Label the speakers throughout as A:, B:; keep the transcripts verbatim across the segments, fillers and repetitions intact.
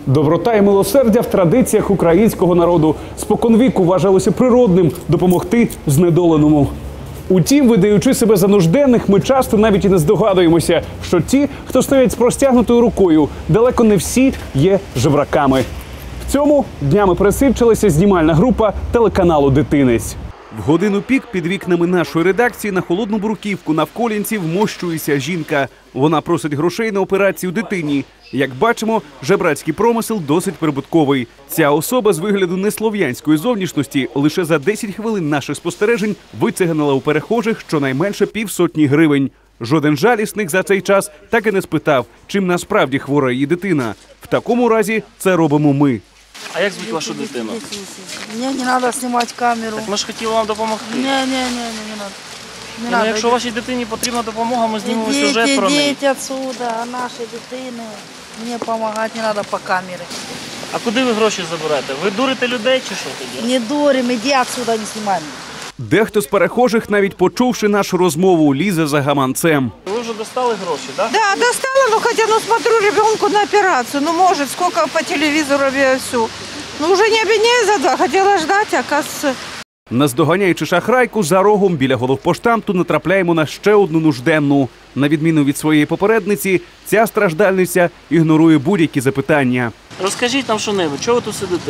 A: Доброта і милосердя в традиціях українського народу. Споконвіку вважалося природним допомогти знедоленому. Утім, видаючи себе за нужденних, ми часто навіть і не здогадуємося, що ті, хто стоять з простягнутою рукою, далеко не всі є жебраками. В цьому днями пересвідчилася знімальна група телеканалу «Дитинець». В годину пік під вікнами нашої редакції на холодну бруківку навколінців вмощується жінка. Вона просить грошей на операцію дитині. Як бачимо, жебрацький промисел досить прибутковий. Ця особа з вигляду неслов'янської зовнішності лише за десять хвилин наших спостережень вицеганила у перехожих щонайменше півсотні гривень. Жоден жалісник за цей час так і не спитав, чим насправді хвора її дитина. В такому разі це робимо ми.
B: А як звуть вашу дитину?
C: Мені не треба знімати камеру.
B: Так ми ж хотіли вам допомогти.
C: Ні, ні, ні, не треба. Не
B: ну, якщо вашій дитині потрібна допомога, ми знімемо
C: ідіть,
B: сюжет про неї.
C: Ідіть відсюди, а нашій дитині мені допомагати не треба по камері.
B: А куди ви гроші заберете? Ви дурите людей чи що тоді?
C: Не дурим, іди відсюди, не знімай.
A: Дехто з перехожих, навіть почувши нашу розмову, лізе за гаманцем.
B: Ви вже достали гроші, так?
D: Да, достала, но хотя, ну, смотрю, ребенку на операцию. Ну, может, сколько по телевизору я все. Ну, уже не обвиняю за два, хотела ждать, оказывается.
A: Наздоганяючи шахрайку, за рогом біля головпоштамту натрапляємо на ще одну нужденну. На відміну від своєї попередниці, ця страждальниця ігнорує будь-які запитання.
B: Розкажіть нам що-небудь, чого ви тут сидите?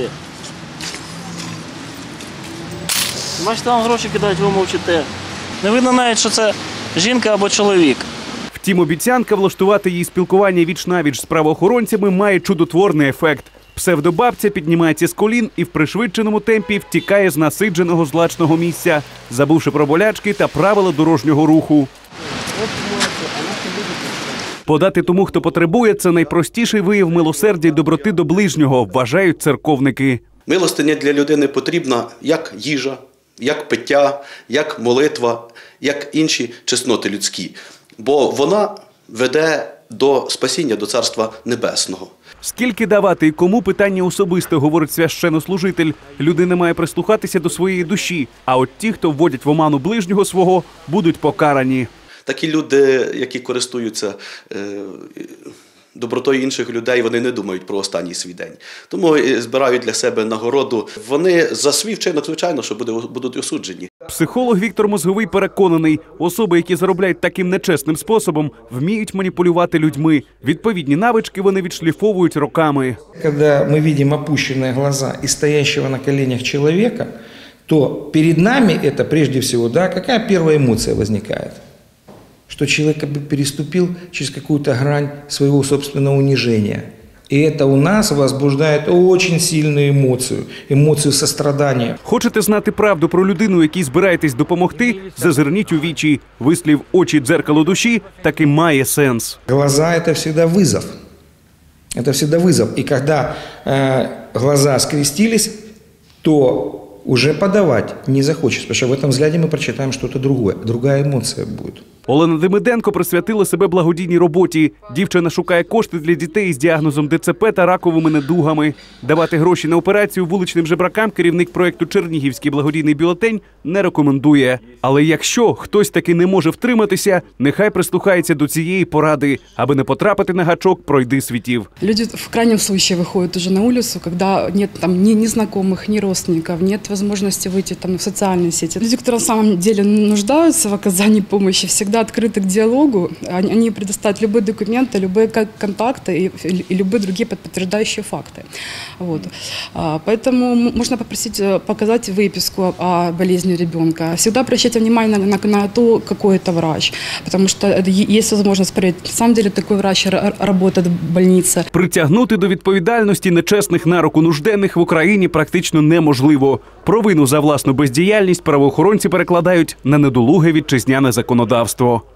B: Бачите, вам гроші кидають, ви мовчите. Не видно навіть, що це жінка або чоловік.
A: Втім, обіцянка влаштувати їй спілкування віч-навіч з правоохоронцями має чудотворний ефект. Псевдобабця піднімається з колін і в пришвидшеному темпі втікає з насидженого злачного місця, забувши про болячки та правила дорожнього руху. Подати тому, хто потребує, це найпростіший вияв милосердя й доброти до ближнього, вважають церковники.
E: Милостиня для людини потрібна як їжа, як пиття, як молитва, як інші чесноти людські. Бо вона веде до спасіння, до Царства Небесного.
A: Скільки давати і кому – питання особисте, говорить священнослужитель. Людина має прислухатися до своєї душі, а от ті, хто вводять в оману ближнього свого, будуть покарані.
E: Такі люди, які користуються е, добротою інших людей, вони не думають про останній свій день. Тому збирають для себе нагороду. Вони за свій вчинок, звичайно, що будуть осуджені.
A: Психолог Віктор Мозговий переконаний, особи, які заробляють таким нечесним способом, вміють маніпулювати людьми. Відповідні навички вони відшліфовують роками.
F: Коли ми бачимо опущені глаза і стоящего на коленях чоловіка, то перед нами це, прежде всего, да, яка перша емоція виникає? Что человек как бы переступил через какую-то грань своего собственного унижения. И это у нас возбуждает очень сильную эмоцию, эмоцию сострадания.
A: Хочете знати правду про людину, якій збираєтесь допомогти? Зазирніть у вічі. Вислів «очі – дзеркало душі» таки має сенс.
F: Глаза – это всегда вызов. Это всегда вызов. И когда э, глаза скрестились, то уже подавать не захочется, потому что в этом взгляде мы прочитаем что-то другое, другая эмоция будет.
A: Олена Демиденко присвятила себе благодійній роботі. Дівчина шукає кошти для дітей з діагнозом Де Це Пе та раковими недугами. Давати гроші на операцію вуличним жебракам керівник проєкту «Чернігівський благодійний бюлетень» не рекомендує. Але якщо хтось таки не може втриматися, нехай прислухається до цієї поради. Аби не потрапити на гачок пройди світів.
G: Люди в крайнем случае выходят уже на улицу, когда нет там ни, ни знакомых, ни родственников, нет возможности выйти там в социальные сети. Люди, которые на самом деле нуждаются в оказании помощи, всегда открыты к диалогу, они предоставят любые документы, любые контакты и, и любые другие подтверждающие факты. Вот. Поэтому можно попросить показать выписку о болезни ребенка. Всегда обращайте внимание на, на, на то, какой это врач, потому что есть возможность проверить, на самом деле такой врач работает в больнице.
A: Притягнути до відповідальності нечесних на руку нужденних в Україні практично неможливо. Провину за власну бездіяльність правоохоронці перекладають на недолуге вітчизняне законодавство.